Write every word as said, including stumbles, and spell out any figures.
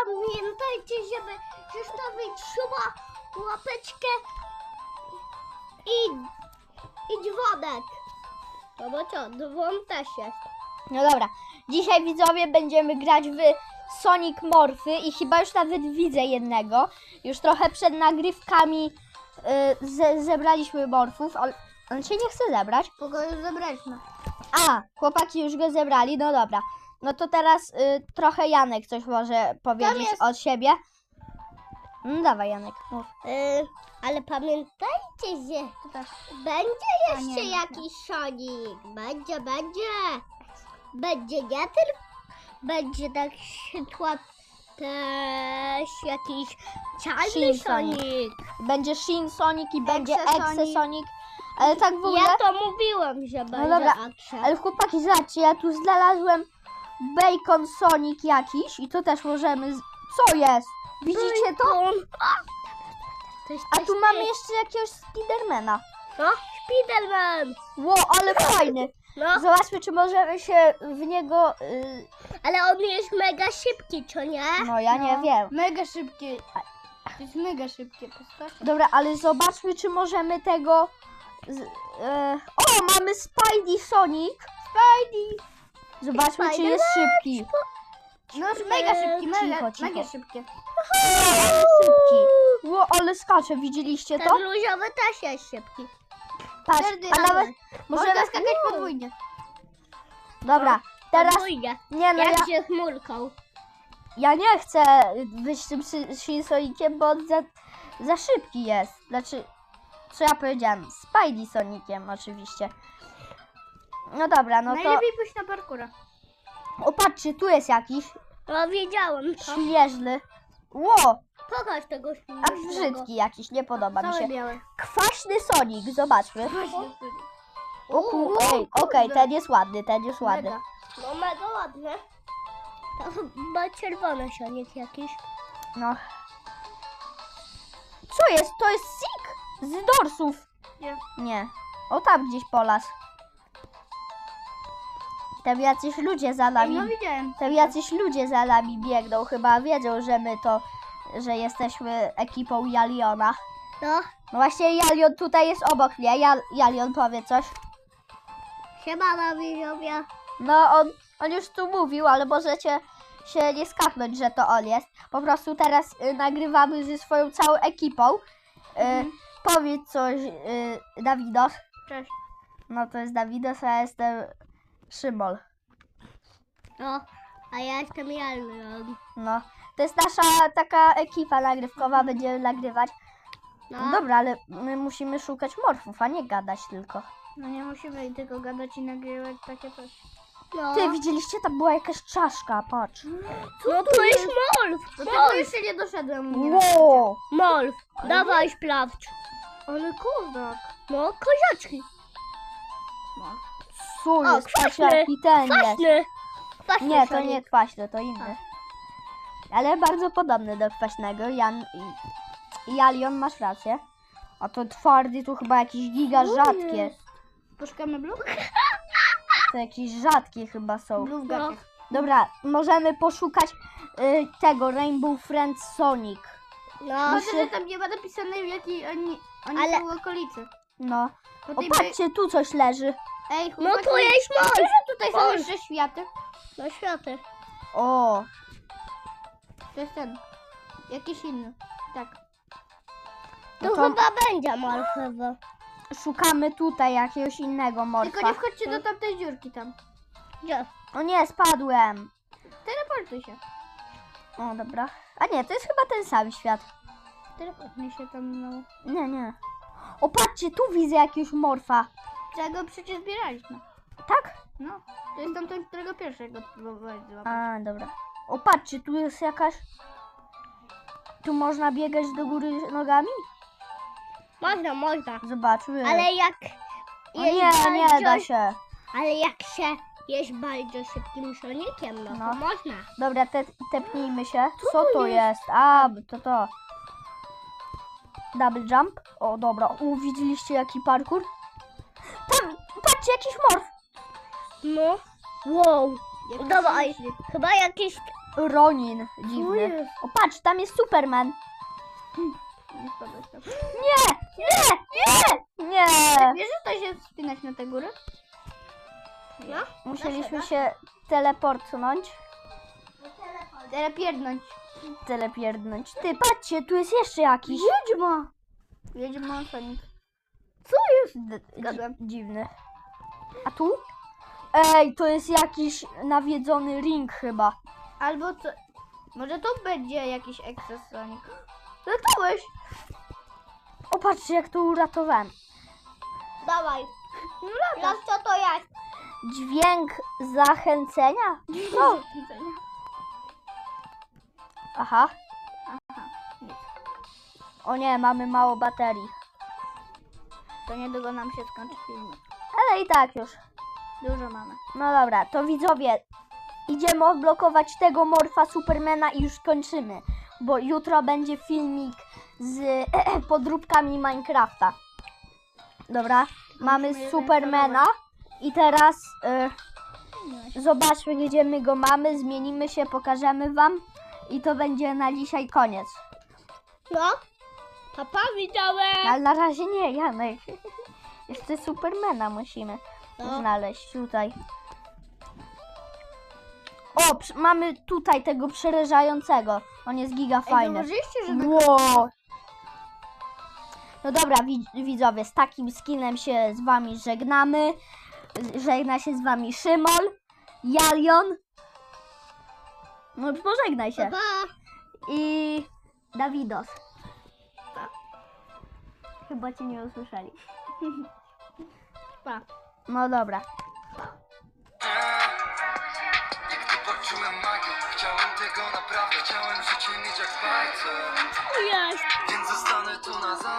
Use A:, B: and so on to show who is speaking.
A: pamiętajcie, żeby zostawić suba, łapeczkę i, i dzwonek. No bo co, dzwon też jest.
B: No dobra, dzisiaj widzowie będziemy grać w Sonic Morphy i chyba już nawet widzę jednego. Już trochę przed nagrywkami y, ze, zebraliśmy morfów, ale on się nie chce zebrać.
A: Kogo już zebraliśmy?
B: A, chłopaki już go zebrali, no dobra. No to teraz y, trochę Janek coś może powiedzieć
A: jest-
B: od siebie. No dawaj Janek, mów.
A: Yy, ale pamiętajcie, że będzie
B: A
A: jeszcze
B: nie,
A: jakiś Sonic. Będzie, będzie. Będzie nie tylko. Będzie na przykład też jakiś czarny
B: Shin Sonic.
A: Sonic.
B: Będzie Shin Sonic i będzie
A: Exe Sonic.
B: Exe Sonic. Ale tak w ogóle...
A: Ja to mówiłem, że będzie
B: dobra,
A: akcja.
B: Ale chłopaki, zobaczcie, ja tu znalazłem Bacon Sonic jakiś i to też możemy... Z... Co jest? Widzicie to?
A: To jest
B: A
A: też
B: tu mamy
A: ty.
B: jeszcze jakiegoś Spidermana.
A: No, Spiderman.
B: Ło, ale fajny.
A: No,
B: Zobaczmy, czy możemy się w niego... y,
A: ale on jest mega szybki, co nie?
B: No ja nie wiem.
A: Mega szybki. To jest mega szybkie postacie.
B: Dobra, ale zobaczmy, czy możemy tego... Z... e, O, mamy Spidey Sonic.
A: Spidey.
B: Zobaczmy, czy
A: Spider-Man.
B: jest szybki.
A: No, mega szybki,
B: Cicho,
A: mega,
B: cicho.
A: mega szybkie.
B: Szybki. Ło, ale skacze, widzieliście to?
A: Ten różowy też jest szybki.
B: Patrz,
A: Czerny,
B: a nawet
A: ale
B: możemy...
A: Można skakać podwójnie.
B: Dobra, teraz...
A: Podwójnie.
B: Nie no, ja,
A: Jak się chmurką.
B: ja nie chcę być tym Shin- Shin Soniciem, bo on za, za szybki jest. Znaczy, co ja powiedziałem? Spidey Soniciem oczywiście. No dobra, no to...
A: Najlepiej pójść na parkura.
B: O, patrzcie, tu jest jakiś
A: No, wiedziałem to.
B: śnieżny. Ło,
A: Pokaż tego
B: a
A: śmiesznego.
B: brzydki jakiś, nie podoba mi
A: Cały
B: się.
A: biały.
B: Kwaśny Sonic, zobaczmy. O, ku,
A: Uuu,
B: ej, okej, ten jest ładny, ten jest ładny.
A: Mega. No mega ładne. To chyba czerwony Sonic jakiś.
B: No. Co jest? To jest Sik z dorsów.
A: Nie.
B: Nie. O, tam gdzieś po las. Tam jacyś ludzie za nami.
A: No widziałem.
B: Tam jacyś ludzie za nami biegną. Chyba wiedzą, że my to, że jesteśmy ekipą Jaliona.
A: No,
B: No właśnie Jalion tutaj jest obok mnie. Jal, Jalion powie coś.
A: siemana widzowie.
B: No on, on już tu mówił, ale możecie się nie skapnąć, że to on jest. Po prostu teraz y, nagrywamy ze swoją całą ekipą. Y,
A: Mhm.
B: Powiedz coś, y, Dawidos.
A: Cześć.
B: No to jest Dawidos, a ja jestem Szymol.
A: No, a ja jestem Jalny.
B: No, to jest nasza taka ekipa nagrywkowa, będziemy nagrywać.
A: No.
B: No dobra, ale my musimy szukać morfów, a nie gadać tylko.
A: No nie musimy tylko gadać i nagrywać takie coś. No.
B: Ty, widzieliście? Tam była jakaś czaszka, patrz.
A: No to jest Molf.
B: Do
A: Molf.
B: jeszcze
A: nie doszedłem.
B: Wow!
A: Molf.
B: Ale
A: Dawaj sprawdź.
B: Ale kozak.
A: No, kozaczki.
B: Co
A: O,
B: jest? Patrz
A: kwaśny,
B: jaki ten jest.
A: Kwaśny. Kwaśny
B: Nie, to
A: Sonic.
B: nie kwaśny, to inny. Ale bardzo podobny do kwaśnego. Jan i Jalion, masz rację. A to twardy, tu chyba jakieś giga rzadkie.
A: Poszukamy blue?
B: To jakieś rzadkie chyba są.
A: Blue w
B: No.
A: gaciach.
B: Dobra, możemy poszukać y, tego Rainbow Friends Sonic.
A: No,
B: Może, że
A: tam nie ma napisane w jakiej oni, oni
B: Ale-
A: są okolicy.
B: No.
A: Po
B: O,
A: tej
B: patrzcie, tu coś leży.
A: Ej, no tu jest Molf.
B: Tutaj
A: są
B: jeszcze światy.
A: No światy.
B: O,
A: To jest ten. Jakiś inny. Tak.
B: No
A: To,
B: to-
A: chyba będzie Molf chyba.
B: szukamy tutaj jakiegoś innego morfa.
A: Tylko nie wchodźcie do tamtej dziurki tam. Gdzie?
B: O nie, spadłem.
A: Teleportuj się.
B: O, dobra. A nie, to jest chyba ten sam świat.
A: Teleportuj się tam, no.
B: Nie, nie. O, patrzcie, tu widzę jakiegoś morfa.
A: Czego przecież zbieraliśmy.
B: Tak?
A: No. To jest tamten, którego pierwszego próbowałeś złapać.
B: A, dobra. O, patrzcie, tu jest jakaś... Tu można biegać do góry nogami?
A: Można, można.
B: Zobaczmy.
A: Ale jak...
B: O nie, nie da się.
A: Ale jak się jest bardzo szybkim Soniciem, no,
B: No.
A: to można.
B: Dobra, te, tepnijmy się.
A: Co
B: Co
A: to
B: to jest? A, to to. Double jump. O, dobra. U, widzieliście jaki parkour? Tam, patrzcie, jakiś morf.
A: No. Wow.
B: Jak
A: Dawaj. Chyba jakiś
B: Ronin
A: Co
B: dziwny.
A: jest?
B: O patrz, tam jest Superman.
A: Nie spadłeś tam.
B: Nie, nie, nie, nie.
A: Wiesz, że to się wspinać na tę górę? No?
B: Musieliśmy się teleportnąć.
A: Telepierdnąć.
B: Telepierdnąć. Ty, patrzcie, tu jest jeszcze jakiś.
A: Wiedźma. Wiedźma, Sonic.
B: Co jest? D-
A: Zgadłem.
B: dziwny. A tu? Ej, to jest jakiś nawiedzony ring chyba.
A: Albo co? Może to będzie jakiś Excess Sonic. Latałeś!
B: O, patrzcie, jak to uratowałem.
A: Dawaj. No co to jest?
B: Dźwięk zachęcenia? No. Aha.
A: Nic.
B: O nie, mamy mało baterii.
A: To niedługo nam się skończy film.
B: Ale i tak już.
A: Dużo mamy.
B: No dobra, to widzowie, idziemy odblokować tego morfa Supermana i już kończymy. Bo jutro będzie filmik z podróbkami Minecrafta. Dobra, mamy
A: je
B: Supermana i teraz y, zobaczmy, gdzie my go mamy, zmienimy się, pokażemy wam i to będzie na dzisiaj koniec.
A: No? Papa, widziałem!
B: Ale na razie nie, Janek. Jeszcze Supermana musimy
A: No.
B: znaleźć tutaj. O, przy- mamy tutaj tego przerażającego. On jest giga fajny.
A: Zauważyliście, że tak...
B: Wow. No dobra, wi- widzowie, z takim skinem się z wami żegnamy. Żegna się z wami Szymon, Jalion. No pożegnaj się.
A: Papa!
B: I Dawidos.
A: Pa.
B: Chyba cię nie usłyszeli.
A: Pa.
B: No dobra.
C: Nigdy poczułem magię, chciałem tego naprawdę, chciałem życie mieć jak w bajce.
A: Jest!
C: Więc zostanę tu na zawsze.